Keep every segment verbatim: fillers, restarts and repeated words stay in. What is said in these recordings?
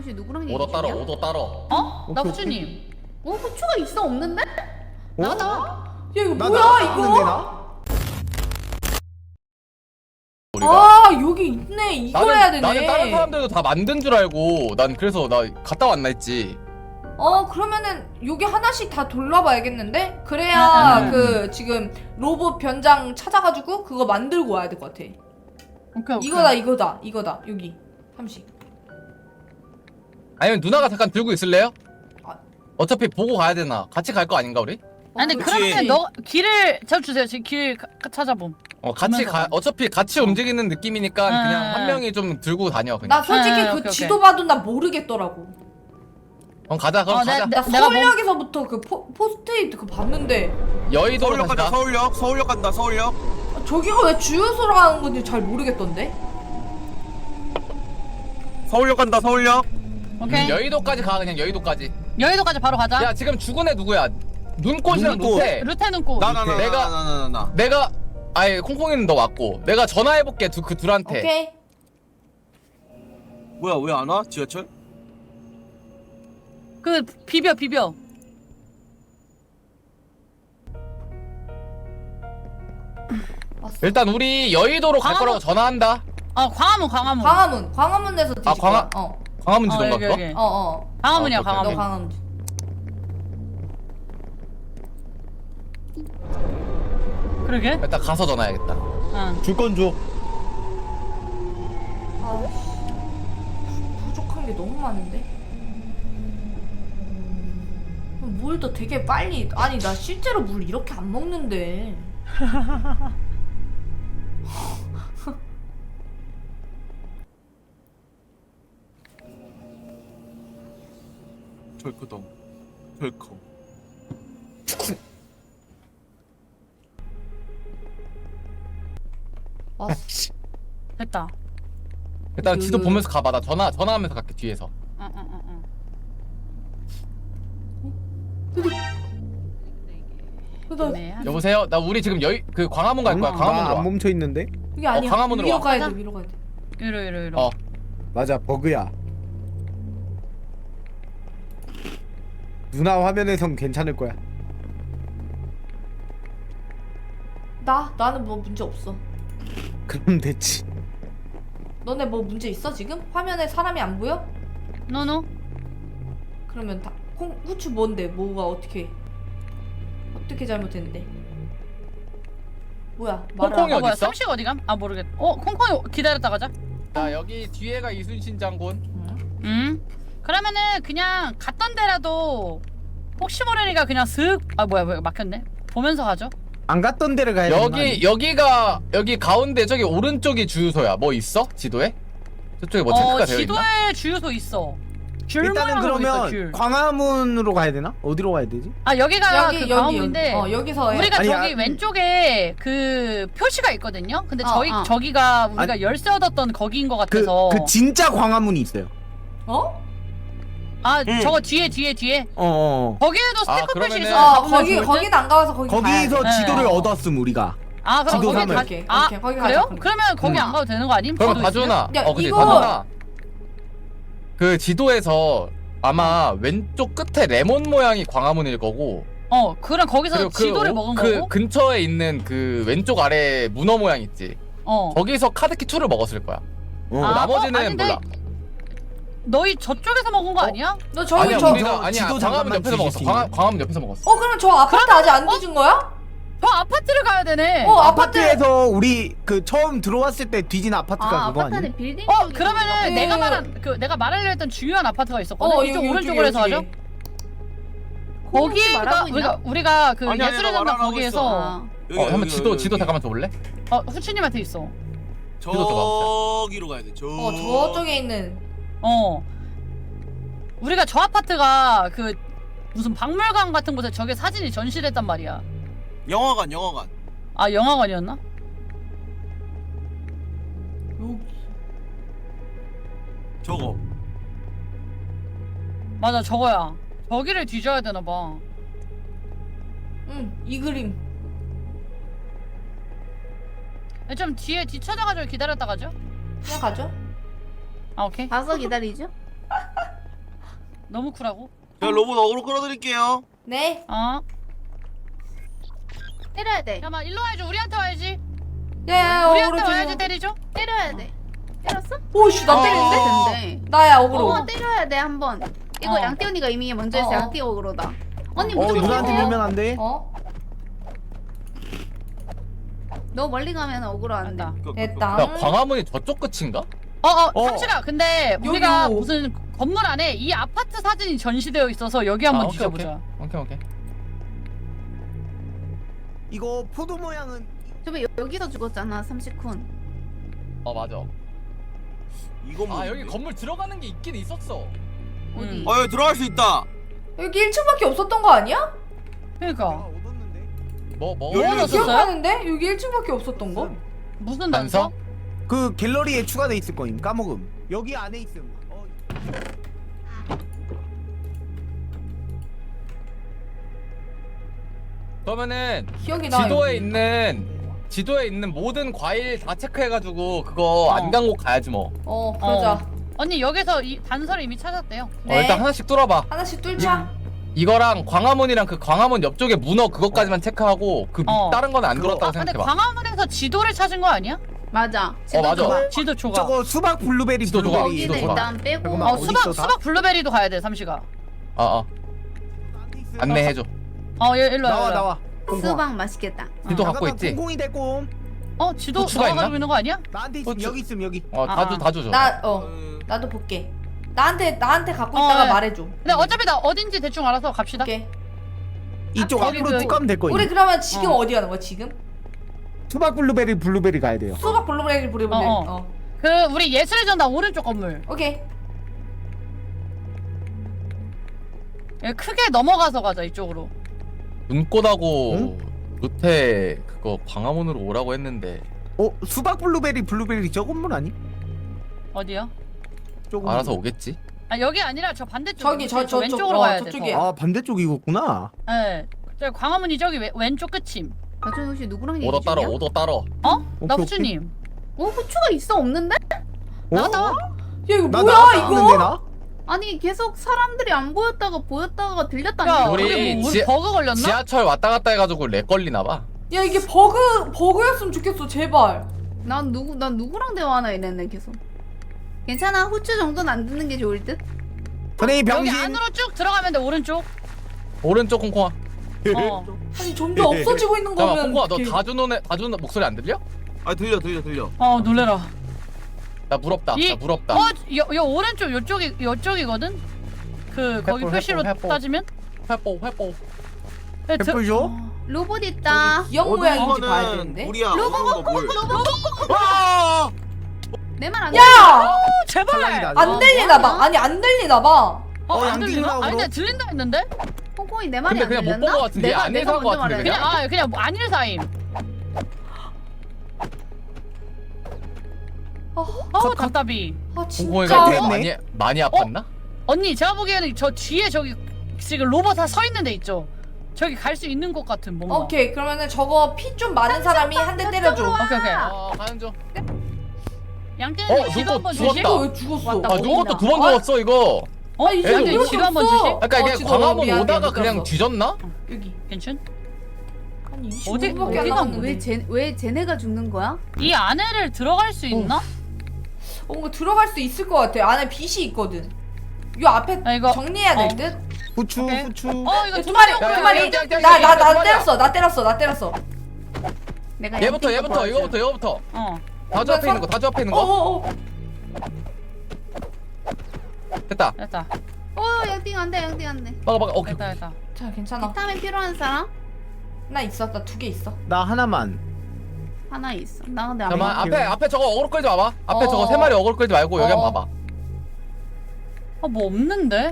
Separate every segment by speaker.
Speaker 1: 혹시 누구랑 얘기
Speaker 2: 오더
Speaker 1: 중이야?
Speaker 2: 따로 오더 따로.
Speaker 1: 어? 나
Speaker 3: 오케이,
Speaker 1: 후추님. 어? 후추가 있어 없는데?
Speaker 3: 어?
Speaker 1: 나가 나와.
Speaker 4: 야 이거
Speaker 3: 나
Speaker 4: 뭐야
Speaker 3: 나왔는데,
Speaker 4: 이거?
Speaker 3: 나?
Speaker 2: 우리가.
Speaker 4: 아 여기 있네. 이거
Speaker 2: 나는,
Speaker 4: 해야 되네.
Speaker 2: 나는 다른 사람들도 다 만든 줄 알고 난 그래서 나 갔다 왔나 했지.
Speaker 4: 어 그러면은 여기 하나씩 다 돌려봐야겠는데? 그래야
Speaker 1: 응, 응,
Speaker 4: 그 지금 로봇 변장 찾아가지고 그거 만들고 와야 될 것 같아.
Speaker 1: 오케이 오케이.
Speaker 4: 이거다 이거다 이거다 여기 삼십.
Speaker 2: 아니면 누나가 잠깐 들고 있을래요?
Speaker 4: 아.
Speaker 2: 어차피 보고 가야 되나? 같이 갈 거 아닌가 우리?
Speaker 1: 아니
Speaker 4: 어,
Speaker 1: 그러면
Speaker 4: 그렇지.
Speaker 1: 너 길을 잡주세요. 지금 길 가- 찾아봄.
Speaker 2: 어 같이
Speaker 1: 보면서
Speaker 2: 가.
Speaker 1: 가.
Speaker 2: 어차피 같이 움직이는 느낌이니까
Speaker 1: 응,
Speaker 2: 그냥
Speaker 1: 응,
Speaker 2: 한
Speaker 1: 응.
Speaker 2: 명이 좀 들고 다녀
Speaker 4: 나
Speaker 2: 그냥.
Speaker 4: 솔직히
Speaker 1: 아,
Speaker 4: 그
Speaker 1: 오케이,
Speaker 4: 지도
Speaker 1: 오케이.
Speaker 4: 봐도 나 모르겠더라고.
Speaker 2: 그럼 가자. 그럼
Speaker 1: 어, 내-
Speaker 2: 가자.
Speaker 1: 내-
Speaker 4: 나
Speaker 1: 내가 뭐-
Speaker 4: 서울역에서부터 그 포, 포스트잇 그거 봤는데
Speaker 2: 여의도로
Speaker 5: 서울역
Speaker 2: 가자.
Speaker 5: 간다. 서울역. 서울역 간다. 서울역.
Speaker 4: 아, 저기가 왜 주유소로 가는 건지 잘 모르겠던데?
Speaker 5: 서울역 간다. 서울역.
Speaker 1: 오케이.
Speaker 2: 음, 여의도까지 가 그냥 여의도까지.
Speaker 1: 여의도까지 바로 가자.
Speaker 2: 야 지금 죽은 애 누구야? 눈꽃이랑
Speaker 5: 눈꽃.
Speaker 2: 루테.
Speaker 1: 루테는 꽃.
Speaker 5: 나 나 나
Speaker 2: 내가-
Speaker 5: 나 나 나 나.
Speaker 2: 내가 아예 콩콩이는 너 왔고 내가 전화해볼게 두, 그 둘한테.
Speaker 4: 오케이.
Speaker 5: 뭐야 왜 안 와? 지하철?
Speaker 1: 그 비벼 비벼.
Speaker 4: 왔어.
Speaker 2: 일단 우리 여의도로 갈
Speaker 1: 광화문-
Speaker 2: 거라고 전화한다.
Speaker 1: 어 광화문 광화문.
Speaker 4: 광화문 광화문에서 뒤질
Speaker 2: 아, 광화-
Speaker 4: 거야. 어.
Speaker 2: 광화문
Speaker 1: 어,
Speaker 2: 지도인가
Speaker 1: 여기,
Speaker 2: 그거?
Speaker 1: 여기.
Speaker 4: 어 어.
Speaker 1: 광화문이야
Speaker 2: 아, 오케이,
Speaker 4: 너
Speaker 1: 광화문.
Speaker 4: 광화문.
Speaker 1: 그러게.
Speaker 2: 일단 가서 전화해야겠다.
Speaker 1: 응.
Speaker 3: 줄 건 줘.
Speaker 4: 아씨. 부족한 게 너무 많은데. 물도 되게 빨리. 아니 나 실제로 물 이렇게 안 먹는데.
Speaker 5: 덜크덩. 덜커.
Speaker 4: 왔어.
Speaker 1: 됐다.
Speaker 2: 일단
Speaker 4: 그-
Speaker 2: 지도 보면서 가봐. 나 전화 전화하면서 갈게 뒤에서.
Speaker 1: 응응응응.
Speaker 4: 나
Speaker 1: 애매하네.
Speaker 2: 여보세요? 나 우리 지금 여의 그 광화문 갈 거야. 광화문으로
Speaker 3: 나안
Speaker 2: 와.
Speaker 3: 멈춰 있는데?
Speaker 4: 그게 아니야.
Speaker 2: 광화문으로
Speaker 4: 위로
Speaker 2: 와.
Speaker 4: 가야
Speaker 1: 가자.
Speaker 4: 돼. 위로 가야 돼.
Speaker 1: 이러 이러 이러.
Speaker 2: 어.
Speaker 3: 맞아, 버그야. 누나 화면에선 괜찮을 거야.
Speaker 4: 나 나는 뭐 문제 없어.
Speaker 3: 그럼 됐지.
Speaker 4: 너네 뭐 문제 있어 지금? 화면에 사람이 안 보여?
Speaker 1: 노노.
Speaker 4: 그러면 다 콩, 후추 뭔데? 뭐가 어떻게 어떻게 잘못했는데? 뭐야? 말을
Speaker 2: 콩콩이
Speaker 4: 안
Speaker 1: 어 뭐야
Speaker 2: 어딨어?
Speaker 1: 삼식 어디 감? 아 모르겠. 어 콩콩이 기다렸다 가자.
Speaker 2: 자 여기 뒤에가 이순신 장군.
Speaker 4: 응?
Speaker 1: 응. 그러면은 그냥 갔던 데라도 혹시 모르니까 그냥 슥. 아 뭐야 뭐야 막혔네. 보면서 가죠.
Speaker 3: 안 갔던 데를 가야 되는 거 아니야?
Speaker 2: 여기 여기가 여기 가운데 저기 오른쪽이 주유소야. 뭐 있어? 지도에? 저쪽에 뭐 체크가
Speaker 1: 어
Speaker 2: 되어 있나?
Speaker 1: 지도에 주유소 있어. 줄만
Speaker 3: 일단은
Speaker 1: 하고 있어,
Speaker 3: 그러면
Speaker 1: 줄.
Speaker 3: 광화문으로 가야 되나? 어디로 가야 되지?
Speaker 1: 아 여기가
Speaker 4: 여기
Speaker 1: 그
Speaker 4: 여기
Speaker 1: 광화문인데
Speaker 4: 여기. 어 여기서 해.
Speaker 1: 우리가
Speaker 3: 아니,
Speaker 1: 저기
Speaker 3: 아,
Speaker 1: 왼쪽에 그 표시가 있거든요. 근데
Speaker 4: 어,
Speaker 1: 저희
Speaker 4: 어.
Speaker 1: 저기가 우리가
Speaker 3: 아니,
Speaker 1: 열쇠 얻었던 거기인 것
Speaker 3: 그,
Speaker 1: 같아서.
Speaker 3: 그 진짜 광화문이 있어요.
Speaker 4: 어?
Speaker 1: 아
Speaker 5: 응.
Speaker 1: 저거 뒤에 뒤에 뒤에.
Speaker 3: 어, 어.
Speaker 1: 거기에도
Speaker 2: 아,
Speaker 1: 스티커 표시
Speaker 2: 그러면은-
Speaker 1: 있어.
Speaker 4: 어
Speaker 1: 가보면
Speaker 4: 거기
Speaker 1: 좋을 듯?
Speaker 4: 거기는 안 가봐서 거기
Speaker 3: 거기서
Speaker 4: 가야 돼.
Speaker 3: 지도를
Speaker 1: 네.
Speaker 3: 얻었음 우리가.
Speaker 1: 아 그럼
Speaker 3: 지도
Speaker 1: 거기
Speaker 3: 삼을.
Speaker 1: 가.
Speaker 4: 오케이,
Speaker 1: 아
Speaker 4: 오케이, 거기
Speaker 1: 그래요?
Speaker 4: 가자, 그럼.
Speaker 1: 그러면 거기
Speaker 3: 응.
Speaker 1: 안 가도 되는 거 아님?
Speaker 2: 그럼
Speaker 1: 지도
Speaker 2: 다준아.
Speaker 4: 야,
Speaker 2: 어 그치
Speaker 4: 이거-
Speaker 2: 다준아. 그 지도에서 아마 왼쪽 끝에 레몬 모양이 광화문일 거고
Speaker 1: 있으면. 어 그럼 거기서
Speaker 2: 그리고
Speaker 1: 지도를
Speaker 2: 그,
Speaker 1: 먹은
Speaker 2: 그
Speaker 1: 거고.
Speaker 2: 근처에 있는 그 왼쪽 아래 문어 모양 있지.
Speaker 1: 어.
Speaker 2: 거기서 카드키 이를 먹었을 거야.
Speaker 3: 어.
Speaker 1: 아,
Speaker 2: 나머지는
Speaker 1: 어, 아닌데?
Speaker 2: 몰라.
Speaker 1: 너희 저쪽에서 먹은 거
Speaker 2: 어?
Speaker 1: 아니야?
Speaker 4: 너 저기
Speaker 2: 아니야
Speaker 4: 저.
Speaker 2: 우리가
Speaker 3: 저
Speaker 2: 아니야
Speaker 3: 지도
Speaker 2: 광화문
Speaker 3: 잠깐만
Speaker 2: 옆에서 먹었어.
Speaker 3: 주실 수
Speaker 2: 광화,
Speaker 3: 있나요?
Speaker 2: 광화문 옆에서 먹었어.
Speaker 4: 어 그러면 저 아파트 아직 안 뒤진 거야?
Speaker 1: 저 아파트를 가야 되네.
Speaker 4: 어 아파트.
Speaker 3: 아파트에서 우리 그 처음 들어왔을 때 뒤진 아파트가
Speaker 1: 아,
Speaker 3: 그거 아니야?
Speaker 1: 아파트는
Speaker 6: 빌딩.
Speaker 1: 어 그러면은
Speaker 4: 네.
Speaker 1: 내가 말한 그 내가 말하려 했던 중요한 아파트가 있었거든.
Speaker 4: 어
Speaker 1: 이쪽
Speaker 4: 여기,
Speaker 1: 오른쪽으로 해서
Speaker 4: 여기,
Speaker 1: 하죠.
Speaker 4: 여기.
Speaker 1: 거기가
Speaker 6: 말하고 있나?
Speaker 1: 우리가 우리가 그
Speaker 5: 아니, 아니,
Speaker 1: 예술의
Speaker 5: 나
Speaker 1: 전당
Speaker 5: 말하고
Speaker 1: 거기에서
Speaker 6: 아.
Speaker 5: 여기,
Speaker 2: 어 한번
Speaker 5: 여기,
Speaker 2: 지도
Speaker 5: 여기,
Speaker 2: 지도
Speaker 5: 여기.
Speaker 2: 잠깐만 줘볼래?
Speaker 1: 어 후추님한테 있어.
Speaker 5: 저기로 가야 돼. 저.
Speaker 4: 어 저쪽에 있는.
Speaker 1: 어 우리가 저 아파트가 그 무슨 박물관 같은 곳에 저게 사진이 전시됐단 말이야.
Speaker 5: 영화관 영화관.
Speaker 1: 아 영화관이었나?
Speaker 4: 여기.
Speaker 5: 저거.
Speaker 1: 맞아 저거야. 저기를 뒤져야 되나 봐.
Speaker 4: 응이 그림.
Speaker 1: 좀 뒤에 뒤쳐져가지고 기다렸다 가죠.
Speaker 4: 그냥 가죠.
Speaker 1: 아 오케이.
Speaker 6: 가서 기다리죠?
Speaker 1: 너무 쿨하고.
Speaker 5: 제가 로봇 어그로 끌어드릴게요.
Speaker 4: 네.
Speaker 1: 어.
Speaker 6: 때려야 돼.
Speaker 1: 잠깐만 일로 와야지. 우리한테 와야지.
Speaker 4: 야야야
Speaker 1: 우리한테
Speaker 4: 어그로
Speaker 1: 와야지
Speaker 4: 줘.
Speaker 1: 때리죠.
Speaker 6: 때려야 돼. 때렸어?
Speaker 4: 오씨 나
Speaker 5: 어.
Speaker 4: 때리는데?
Speaker 6: 근데.
Speaker 4: 나야 어그로.
Speaker 6: 어, 때려야 돼 한 번. 이거
Speaker 1: 어.
Speaker 6: 양띠 언니가 이미 먼저 했어.
Speaker 4: 어, 어.
Speaker 6: 양띠 어그로다. 언니
Speaker 3: 어
Speaker 6: 무조건
Speaker 3: 누나한테
Speaker 6: 때려.
Speaker 3: 밀면 안 돼.
Speaker 4: 어?
Speaker 6: 너 멀리 가면 어그로 안 돼.
Speaker 1: 간다.
Speaker 4: 됐다.
Speaker 2: 야 광화문이 저쪽 끝인가?
Speaker 1: 어어
Speaker 3: 어.
Speaker 1: 삼시가 근데 우리가
Speaker 4: 여기요.
Speaker 1: 무슨 건물 안에 이 아파트 사진이 전시되어 있어서 여기 한번
Speaker 2: 아, 오케이,
Speaker 1: 뒤져보자.
Speaker 2: 오케이 오케이.
Speaker 3: 이거 포도 모양은
Speaker 6: 저번 여기서 죽었잖아 삼십쿤.
Speaker 2: 어 맞아.
Speaker 5: 이건
Speaker 2: 아 여기 건물 들어가는 게 있긴 있었어.
Speaker 6: 어디?
Speaker 1: 음.
Speaker 5: 어 여기 들어갈 수 있다.
Speaker 4: 여기 일 층밖에 없었던 거 아니야?
Speaker 1: 그러니까
Speaker 3: 내가 얻었는데.
Speaker 2: 뭐 뭐?
Speaker 5: 여기
Speaker 1: 넣었었어요?
Speaker 4: 기억하는데? 여기 일 층밖에 없었던 거?
Speaker 1: 무슨
Speaker 2: 단서?
Speaker 1: 단서?
Speaker 3: 그 갤러리에 추가돼 있을 거임. 까먹음. 여기 안에 있음. 어.
Speaker 2: 그러면은
Speaker 4: 기억이 나.
Speaker 2: 지도에
Speaker 4: 여기.
Speaker 2: 있는 지도에 있는 모든 과일 다 체크해가지고 그거
Speaker 1: 어.
Speaker 2: 안 간 곳 가야지 뭐.
Speaker 4: 어 그러자.
Speaker 1: 어. 언니 여기서 이 단서를 이미 찾았대요.
Speaker 4: 네.
Speaker 2: 어, 일단 하나씩 뚫어봐.
Speaker 4: 하나씩 뚫자.
Speaker 2: 이거랑 광화문이랑 그 광화문 옆쪽에 문어 그것까지만 체크하고 그
Speaker 1: 어.
Speaker 2: 다른 건 안
Speaker 3: 그거-
Speaker 2: 들었다고
Speaker 1: 아 근데
Speaker 2: 생각해봐.
Speaker 1: 광화문에서 지도를 찾은 거 아니야?
Speaker 6: 맞아.
Speaker 2: 어, 맞아.
Speaker 6: 조각.
Speaker 1: 지도 조각.
Speaker 3: 저거 수박 블루베리
Speaker 2: 지도 조각,
Speaker 3: 블루베리.
Speaker 2: 지도
Speaker 6: 거기는
Speaker 2: 조각.
Speaker 6: 일단 빼고.
Speaker 3: 잠깐만.
Speaker 1: 어
Speaker 3: 어디
Speaker 1: 수박
Speaker 3: 있어, 다?
Speaker 1: 수박 블루베리도 가야 돼 삼시가.
Speaker 2: 어 어.
Speaker 3: 나한테 있음.
Speaker 2: 안내해줘.
Speaker 1: 어 얘, 일로 와.
Speaker 3: 나와
Speaker 1: 일로 와.
Speaker 3: 나와.
Speaker 6: 수박 맛있겠다.
Speaker 2: 지도
Speaker 1: 어.
Speaker 2: 갖고 있지?
Speaker 3: 공공이 됐고.
Speaker 1: 어 지도
Speaker 2: 후추가
Speaker 1: 너가 가지고
Speaker 2: 있나?
Speaker 1: 있는 거 아니야?
Speaker 3: 나한테 있음.
Speaker 2: 후추.
Speaker 3: 여기 있음 여기.
Speaker 2: 어
Speaker 1: 아,
Speaker 2: 다주
Speaker 1: 아.
Speaker 2: 다주 줘.
Speaker 4: 나 어.
Speaker 5: 어,
Speaker 4: 나도 볼게. 나한테 나한테 갖고
Speaker 1: 어,
Speaker 4: 있다가
Speaker 1: 네.
Speaker 4: 말해줘.
Speaker 1: 근데 어차피 나 어딘지 대충 알아서 갑시다.
Speaker 4: 오케이.
Speaker 3: 이쪽
Speaker 1: 아, 거기
Speaker 3: 앞으로
Speaker 1: 그-
Speaker 3: 쭉 가면 될 거임.
Speaker 4: 우리 그러면 지금
Speaker 1: 어.
Speaker 4: 어. 디 가는 거야 지금?
Speaker 3: 수박 블루베리 블루베리 가야 돼요.
Speaker 4: 수박 블루베리 블루베리.
Speaker 1: 어,
Speaker 4: 어,
Speaker 1: 어. 그 우리 예술의 전당 오른쪽 건물.
Speaker 4: 오케이.
Speaker 1: 예, 크게 넘어가서 가자 이쪽으로.
Speaker 2: 눈꽃하고
Speaker 3: 응?
Speaker 2: 루테 그거 광화문으로 오라고 했는데
Speaker 3: 어 수박 블루베리 블루베리 저 건물 아니?
Speaker 1: 어디요?
Speaker 3: 조금.
Speaker 2: 알아서 오겠지.
Speaker 1: 아 여기 아니라 저 반대쪽.
Speaker 4: 저기, 저- 저쪽,
Speaker 1: 왼쪽으로
Speaker 4: 어,
Speaker 1: 가야 돼.
Speaker 4: 저쪽에.
Speaker 1: 더.
Speaker 3: 아 반대쪽이었구나.
Speaker 1: 네. 저 광화문이 저기 왼, 왼쪽 끝임.
Speaker 6: 나중에 혹시 누구랑 얘기
Speaker 2: 오더 따러
Speaker 6: 중이야?
Speaker 2: 오더 따러.
Speaker 1: 어?
Speaker 3: 오케이,
Speaker 1: 나
Speaker 3: 오케이.
Speaker 1: 후추님.
Speaker 6: 어 후추가 있어 없는데?
Speaker 1: 나왔다.
Speaker 4: 야 이거
Speaker 3: 나
Speaker 4: 뭐야
Speaker 3: 나왔는데
Speaker 4: 이거?
Speaker 3: 나?
Speaker 6: 아니 계속 사람들이 안 보였다가 보였다가
Speaker 1: 야
Speaker 6: 들렸다니까.
Speaker 2: 우리
Speaker 1: 우리, 뭐, 우리
Speaker 2: 지-
Speaker 1: 버그 걸렸나?
Speaker 2: 지하철 왔다 갔다 해가지고 렉 걸리나 봐.
Speaker 4: 야 이게 버그 버그였으면 좋겠어 제발.
Speaker 6: 난 누구 난 누구랑 대화하나 이랬네 계속. 괜찮아 후추 정도는 안 듣는 게 좋을 듯.
Speaker 3: 선생님
Speaker 1: 여기
Speaker 3: 병신.
Speaker 1: 안으로 쭉 들어가면 돼 오른쪽.
Speaker 2: 오른쪽 콩콩아.
Speaker 1: 어.
Speaker 4: 아니 점점 없어지고 있는
Speaker 2: 잠깐
Speaker 4: 거면.
Speaker 2: 콩콩아 너
Speaker 4: 어떡해.
Speaker 2: 다주 노네 다주 목소리 안 들려?
Speaker 5: 아 들려 들려 들려.
Speaker 1: 어 놀래라.
Speaker 2: 나 부럽다.
Speaker 1: 이-
Speaker 2: 나 부럽다.
Speaker 1: 어, 여, 여 오른쪽 요쪽이 요쪽이거든. 그 거기
Speaker 2: 횃불,
Speaker 1: 표시로
Speaker 2: 횃불, 횃불.
Speaker 1: 따지면.
Speaker 2: 회뽀 회뽀.
Speaker 1: 네, 드-
Speaker 3: 횃불 줘?
Speaker 6: 로봇 있다.
Speaker 4: 기억
Speaker 5: 어디
Speaker 4: 모양인지 봐야
Speaker 5: 이거는
Speaker 4: 되는데.
Speaker 5: 우리야.
Speaker 6: 로봇,
Speaker 5: 어느 거 뭘?
Speaker 6: 로봇
Speaker 5: 아!
Speaker 6: 내 말 안
Speaker 4: 야!
Speaker 1: 어, 제발.
Speaker 3: 탈락이다.
Speaker 4: 안
Speaker 6: 어,
Speaker 4: 들리나 봐.
Speaker 6: 뭐하냐?
Speaker 4: 아니 안 들리나 봐.
Speaker 1: 어,
Speaker 3: 어,
Speaker 1: 안
Speaker 3: 안
Speaker 1: 들리나?
Speaker 3: 들리나,
Speaker 1: 아니 근데
Speaker 3: 그럼?
Speaker 1: 들린다 했는데?
Speaker 6: 콩콩이 내 말이
Speaker 2: 근데
Speaker 6: 안
Speaker 2: 그냥 못
Speaker 6: 들렸나?
Speaker 2: 본것 같은데?
Speaker 6: 내가
Speaker 2: 안에서
Speaker 6: 내가
Speaker 2: 한것
Speaker 6: 먼저
Speaker 2: 같은데,
Speaker 6: 말했나?
Speaker 1: 그냥 아 그냥 뭐 안일 사임.
Speaker 4: 아,
Speaker 1: 어우 답답이.
Speaker 4: 아
Speaker 2: 콩콩이가
Speaker 4: 진짜.
Speaker 3: 됐네.
Speaker 2: 많이 많이 아팠나?
Speaker 1: 언니 제가 보기에는 저 뒤에 저기 지금 로봇 다 서 있는 데 있죠. 저기 갈 수 있는 것 같은 뭔가.
Speaker 4: 오케이 그러면은 저거 피 좀 많은 사람이 한 대 때려줘.
Speaker 1: 오케이 오케이.
Speaker 2: 어 가는 중.
Speaker 1: 양떼는
Speaker 2: 어,
Speaker 1: 지도
Speaker 2: 누구
Speaker 1: 한번
Speaker 2: 죽었다.
Speaker 1: 주시.
Speaker 4: 이거 왜 죽었어?
Speaker 1: 왔다.
Speaker 2: 아 누가 또 두 번
Speaker 4: 아,
Speaker 2: 죽었어 이거.
Speaker 1: 어, 이
Speaker 2: 애들
Speaker 1: 양떼
Speaker 4: 이렇게
Speaker 1: 지도 한번
Speaker 4: 없어.
Speaker 1: 주시.
Speaker 2: 아까 이게
Speaker 4: 어, 지도
Speaker 2: 광화문
Speaker 4: 미안해,
Speaker 2: 오다가
Speaker 4: 못
Speaker 2: 그냥
Speaker 4: 들었어.
Speaker 2: 뒤졌나?
Speaker 4: 여기.
Speaker 1: 괜춘?
Speaker 4: 아니
Speaker 1: 어디-
Speaker 4: 이십오 분밖에 안
Speaker 1: 어디가
Speaker 4: 남았는데.
Speaker 6: 왜쟤왜 쟤네가 죽는 거야?
Speaker 1: 이 안에를 들어갈 수 있나?
Speaker 4: 어, 뭔가 들어갈 수 있을 것 같아. 안에 빛이 있거든. 요 앞에
Speaker 1: 아, 이거-
Speaker 4: 정리해야
Speaker 1: 어.
Speaker 4: 될 듯.
Speaker 3: 후추
Speaker 1: 오케이.
Speaker 3: 후추.
Speaker 1: 어 이거
Speaker 4: 두 마리,
Speaker 2: 야,
Speaker 4: 두
Speaker 2: 야,
Speaker 4: 마리.
Speaker 2: 야, 야, 야,
Speaker 4: 나 나
Speaker 2: 야,
Speaker 4: 나
Speaker 2: 야,
Speaker 4: 때렸어, 나 때렸어, 나 때렸어.
Speaker 6: 내가
Speaker 2: 얘부터
Speaker 6: 양띵
Speaker 2: 얘부터
Speaker 6: 거
Speaker 2: 이거부터 이거부터.
Speaker 1: 어.
Speaker 2: 다주 앞에 있는 거 다주 앞에 있는 거.
Speaker 4: 어어어.
Speaker 2: 됐다.
Speaker 1: 됐다.
Speaker 6: 어 양띵 안돼 양띵 안돼.
Speaker 2: 막아 막아. 오케이.
Speaker 1: 됐다 됐다.
Speaker 4: 자 괜찮아.
Speaker 6: 비타민 필요한 사람
Speaker 4: 나 있어, 나 두 개 있어.
Speaker 3: 나 하나만.
Speaker 6: 하나 있어. 나 근데 안
Speaker 2: 잠깐만
Speaker 6: 먹어.
Speaker 2: 앞에 앞에 저거 어그로 끌지 마봐. 앞에
Speaker 4: 어.
Speaker 2: 저거 세 마리 어그로 끌지 말고 여기
Speaker 4: 어.
Speaker 2: 한번 봐봐.
Speaker 1: 어뭐 없는데?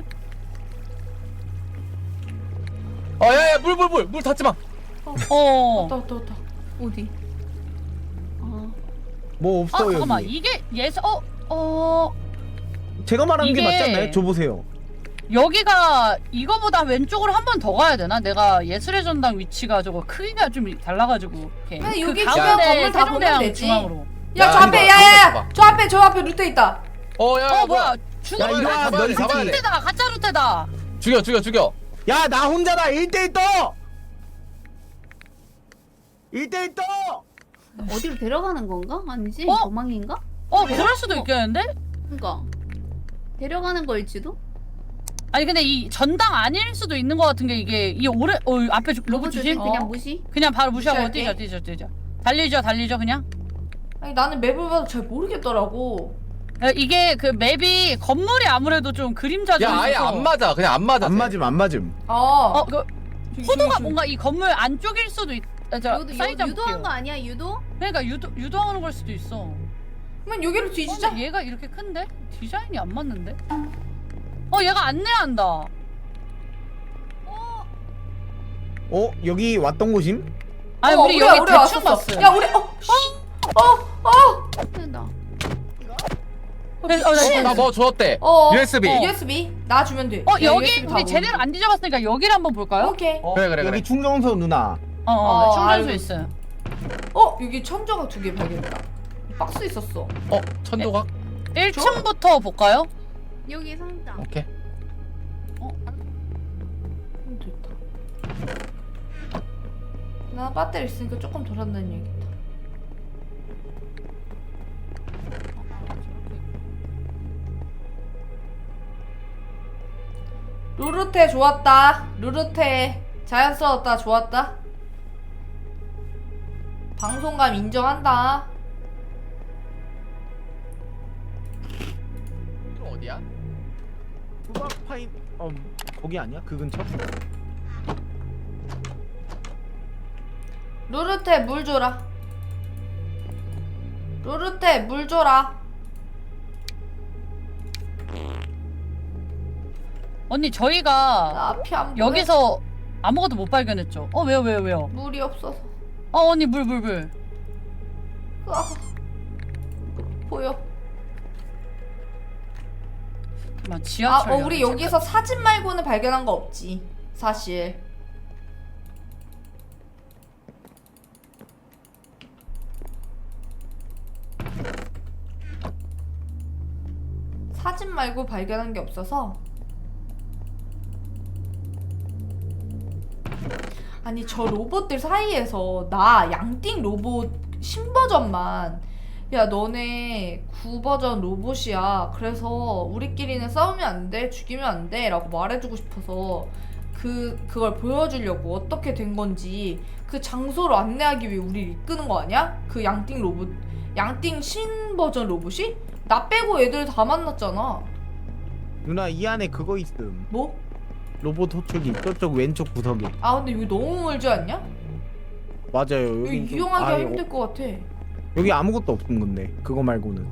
Speaker 2: 어야야 물 물 물 물 닿지 마.
Speaker 1: 어.
Speaker 4: 왔다 왔다 왔다.
Speaker 6: 어디? 어.
Speaker 3: 뭐
Speaker 1: 아
Speaker 3: 없어
Speaker 1: 잠깐만
Speaker 3: 여기.
Speaker 1: 이게 예스 어 어.
Speaker 3: 제가 말하는 게
Speaker 1: 이게-
Speaker 3: 맞지 않나요? 줘 보세요.
Speaker 1: 여기가 이거보다 왼쪽으로 한 번 더 가야 되나? 내가 예술의 전당 위치가 저거 크기가 좀 달라가지고 이렇게
Speaker 4: 그냥 여기
Speaker 1: 그
Speaker 4: 주변
Speaker 1: 가운데
Speaker 4: 건물 다 보면
Speaker 1: 세종대왕
Speaker 4: 되지.
Speaker 1: 중앙으로.
Speaker 4: 야 저
Speaker 2: 야,
Speaker 4: 앞에
Speaker 2: 이거
Speaker 4: 야야야
Speaker 2: 봐봐.
Speaker 4: 저 앞에 저 앞에 루테 있다.
Speaker 2: 어야
Speaker 1: 어 뭐야? 중앙
Speaker 3: 야, 이리 와,
Speaker 2: 잡아야 돼
Speaker 3: 너 이
Speaker 2: 잡아야 돼.
Speaker 1: 루테다 가짜 루테. 때다.
Speaker 2: 죽여 죽여 죽여.
Speaker 3: 야 나 혼자다. 일 대일 떠. 일 대일 떠.
Speaker 6: 어디로 데려가는 건가? 아니지?
Speaker 1: 어?
Speaker 6: 도망인가?
Speaker 1: 어 그럴 수도 있겠는데?
Speaker 6: 그니까 데려가는 걸지도?
Speaker 1: 아니 근데 이 전당 아닐 수도 있는 것 같은 게 이게 이 오래 어 앞에 주- 로봇
Speaker 6: 로봇
Speaker 1: 주심
Speaker 6: 조심 그냥
Speaker 1: 어.
Speaker 6: 무시?
Speaker 1: 그냥 바로 무시하고
Speaker 4: 무시할게.
Speaker 1: 뛰죠 뛰죠 뛰죠. 달리죠 달리죠 그냥.
Speaker 4: 아니 나는 맵을 봐도 잘 모르겠더라고.
Speaker 1: 어, 이게 그 맵이 건물이 아무래도 좀 그림자 좀
Speaker 2: 야 아예
Speaker 1: 있어서
Speaker 2: 안 맞아. 그냥 안 맞아.
Speaker 3: 안 맞음 안 맞음.
Speaker 4: 아.
Speaker 1: 어그
Speaker 4: 저기,
Speaker 1: 포도가
Speaker 4: 저기,
Speaker 1: 뭔가 이 건물 안쪽일 수도 있. 아, 저
Speaker 6: 유도,
Speaker 1: 사이즈 한번
Speaker 6: 유도한
Speaker 1: 볼게요.
Speaker 6: 거 아니야 유도?
Speaker 1: 그러니까 유도 유도하는 걸 수도 있어.
Speaker 4: 저기. 그러면 여기로
Speaker 1: 어,
Speaker 4: 뒤지자.
Speaker 1: 근데 얘가 이렇게 큰데 디자인이 안 맞는데? 어 얘가 안내한다.
Speaker 3: 어 여기 왔던 곳임?
Speaker 1: 아니
Speaker 4: 어,
Speaker 1: 우리
Speaker 4: 우리가-
Speaker 1: 여기
Speaker 4: 우리가
Speaker 1: 대충
Speaker 4: 왔었어.
Speaker 1: 봤어요.
Speaker 4: 야 우리 어. 씨.
Speaker 6: 된다.
Speaker 1: 네, 어, 네,
Speaker 2: 나 뭐 주었대.
Speaker 4: 어.
Speaker 2: 유에스비.
Speaker 4: 어, 유에스비 나 주면 돼.
Speaker 1: 어
Speaker 4: 야,
Speaker 1: 여기
Speaker 4: 유에스비 다
Speaker 1: 우리
Speaker 4: 먹어.
Speaker 1: 제대로 안 뒤져봤으니까 여기를 한번 볼까요?
Speaker 4: 오케이.
Speaker 3: 어,
Speaker 2: 그래, 그래,
Speaker 3: 여기
Speaker 2: 그래.
Speaker 3: 충정서 누나.
Speaker 1: 어어
Speaker 4: 어,
Speaker 1: 충전소
Speaker 4: 알고
Speaker 1: 있어요.
Speaker 4: 어 여기 천조각 두 개 발견했다. 박스 있었어.
Speaker 2: 어 천조각.
Speaker 1: 일 층부터 볼까요?
Speaker 6: 여기 상자.
Speaker 2: 오케이.
Speaker 4: 음, 됐다. 나 배터리 있으니까 조금 돌아다니는 얘기다. 루루테 좋았다. 루루테 자연스러웠다. 좋았다. 방송감 인정한다.
Speaker 2: 이거 어디야?
Speaker 3: 수박 파인 어 거기 아니야? 그 근처?
Speaker 4: 루루테 물 줘라. 루루테 물 줘라.
Speaker 1: 언니 저희가
Speaker 4: 나 앞이 안 보여.
Speaker 1: 여기서 아무것도 못 발견했죠. 어 왜요 왜요 왜요?
Speaker 4: 물이 없어서.
Speaker 1: 어 언니 물 물 물.
Speaker 4: 아, 보여.
Speaker 1: 잠깐만
Speaker 4: 아,
Speaker 1: 지하철.
Speaker 4: 어, 우리 여기서 사진 말고는 발견한 거 없지. 사실. 사진 말고 발견한 게 없어서. 아니 저 로봇들 사이에서 나 양띵 로봇 신버전만 야 너네 구버전 로봇이야 그래서 우리끼리는 싸우면 안 돼 죽이면 안 돼 라고 말해주고 싶어서 그 그걸 보여주려고 어떻게 된 건지 그 장소로 안내하기 위해 우리를 이끄는 거 아니야? 그 양띵 로봇 양띵 신버전 로봇이? 나 빼고 애들 다 만났잖아.
Speaker 3: 누나 이 안에 그거 있음.
Speaker 4: 뭐?
Speaker 3: 로봇 호출기 저쪽 왼쪽 구석에.
Speaker 4: 아 근데 여기 너무 멀지 않냐?
Speaker 3: 맞아요.
Speaker 4: 여기
Speaker 3: 여기 좀-
Speaker 4: 이용하기가
Speaker 3: 아예
Speaker 4: 힘들 것 같아.
Speaker 3: 여기 아무것도 없음 건데 그거 말고는.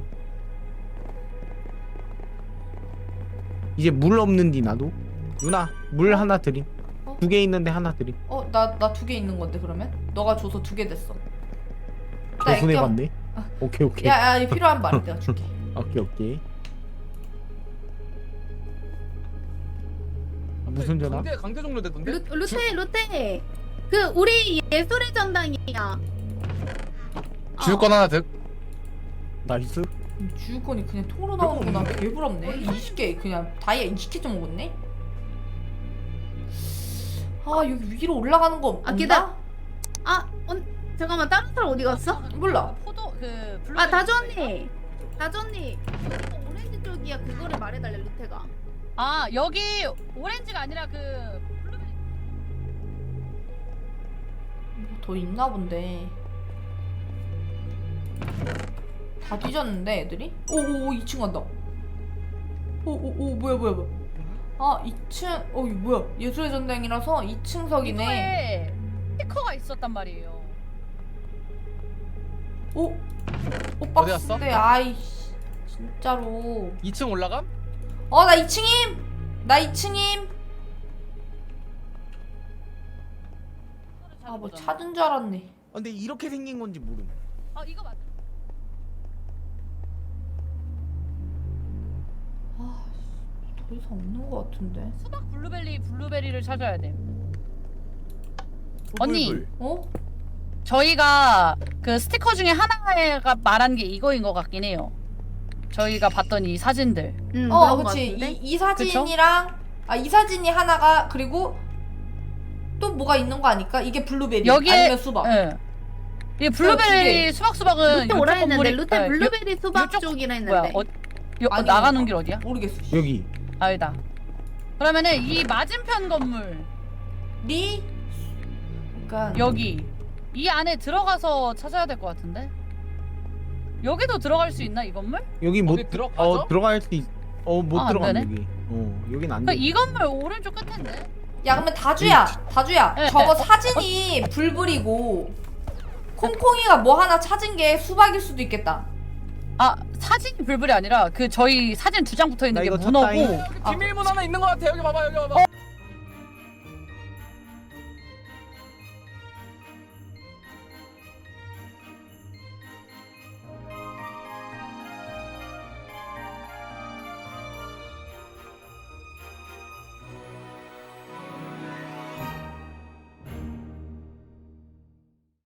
Speaker 3: 이제 물 없는디 나도. 누나 물 하나 드림.
Speaker 4: 어?
Speaker 3: 두 개 있는데 하나 드림.
Speaker 4: 어, 나 나 두 개 있는 건데 그러면? 너가 줘서 두 개 됐어. 나
Speaker 3: 개순해
Speaker 4: 애껴.
Speaker 3: 봤네.
Speaker 4: 아.
Speaker 3: 오케이 오케이.
Speaker 4: 야, 야, 필요한 말 내가 줄게.
Speaker 3: 오케이 오케이. 무슨 전화?
Speaker 2: 강제 강제 종료됐던데?
Speaker 6: 루, 루테 루테. 그 우리 예술의 전당이야.
Speaker 2: 주유권 하나 득.
Speaker 3: 나이스.
Speaker 4: 주유권이 그냥 통으로 나오는구나. 개부럽네. 이십 개 그냥 다이아 이십 개 좀 먹었네. 아 여기 위로 올라가는 거 없나?
Speaker 6: 아, 기다. 아, 언, 잠깐만 다른 사람 어디 갔어?
Speaker 4: 몰라.
Speaker 1: 포도 그 블루.
Speaker 6: 아 다주 언니. 다주 언니. 여기가 오렌지 쪽이야. 그거를 말해달래 루테가.
Speaker 1: 아 여기 오렌지가 아니라 그 블루베리.
Speaker 4: 뭐더 있나 본데. 다 뒤졌는데 애들이? 오오오 이 층 간다. 오오오 뭐야 뭐야 뭐야. 아 이 층 어 이거 뭐야 예술의 전당이라서 이 층석이네.
Speaker 1: 이거에 스티커가 있었단 말이에요.
Speaker 4: 오? 오
Speaker 2: 어디 갔어?
Speaker 4: 박스인데 아이씨 진짜로.
Speaker 2: 이 층 올라감?
Speaker 4: 어 나 이 층임! 나 이 층임! 아 뭐 찾은 줄 알았네.
Speaker 3: 아, 근데 이렇게 생긴 건지 모름.
Speaker 1: 아 이거 맞아.
Speaker 4: 더 이상 없는 것 같은데.
Speaker 1: 수박 블루베리 블루베리를 찾아야 돼. 언니.
Speaker 3: 불불.
Speaker 4: 어?
Speaker 1: 저희가 그 스티커 중에 하나가 말한 게 이거인 것 같긴 해요. 저희가 봤던 이 사진들.
Speaker 6: 응.
Speaker 4: 어
Speaker 6: 그런 거
Speaker 4: 그치
Speaker 6: 같은데?
Speaker 4: 이, 이 사진이랑 아 이 사진이 하나가 그리고 또 뭐가 있는 거 아닐까? 이게 블루베리
Speaker 1: 여기에
Speaker 4: 아니면 수박.
Speaker 1: 예. 이 블루베리 수박 수박은
Speaker 6: 루테 오라
Speaker 1: 이쪽
Speaker 6: 했는데
Speaker 1: 건물이
Speaker 6: 루테
Speaker 1: 예,
Speaker 6: 블루베리 수박
Speaker 1: 요쪽-
Speaker 6: 쪽이라
Speaker 1: 요- 뭐야?
Speaker 6: 했는데.
Speaker 1: 어, 요,
Speaker 4: 아니,
Speaker 1: 나가는 길 어디야?
Speaker 4: 모르겠어.
Speaker 3: 여기.
Speaker 1: 아니다. 그러면은 이 맞은편 건물
Speaker 4: 리 그러니까
Speaker 1: 여기 이 안에 들어가서 찾아야 될 것 같은데. 여기도 들어갈 수 있나 이 건물?
Speaker 3: 여기 못
Speaker 2: 어디 들어가죠?
Speaker 3: 어 들어갈 수 있. 어못
Speaker 1: 아, 안
Speaker 3: 들어가
Speaker 1: 되네?
Speaker 3: 여기. 어 여긴 안
Speaker 1: 그러니까
Speaker 3: 돼.
Speaker 1: 이 건물 오른쪽 끝인데.
Speaker 4: 야 그러면 다주야 다주야
Speaker 1: 네,
Speaker 4: 저거
Speaker 1: 네.
Speaker 4: 사진이 불불이고 콩콩이가 뭐 하나 찾은 게 수박일 수도 있겠다.
Speaker 1: 아 사진이 불불이 아니라 그 저희 사진 두 장 붙어 있는
Speaker 3: 나
Speaker 1: 게
Speaker 3: 이거
Speaker 1: 문어고.
Speaker 3: 쳤다잉.
Speaker 2: 여기 비밀문 하나 있는 것 같아. 여기 봐봐 여기 봐봐.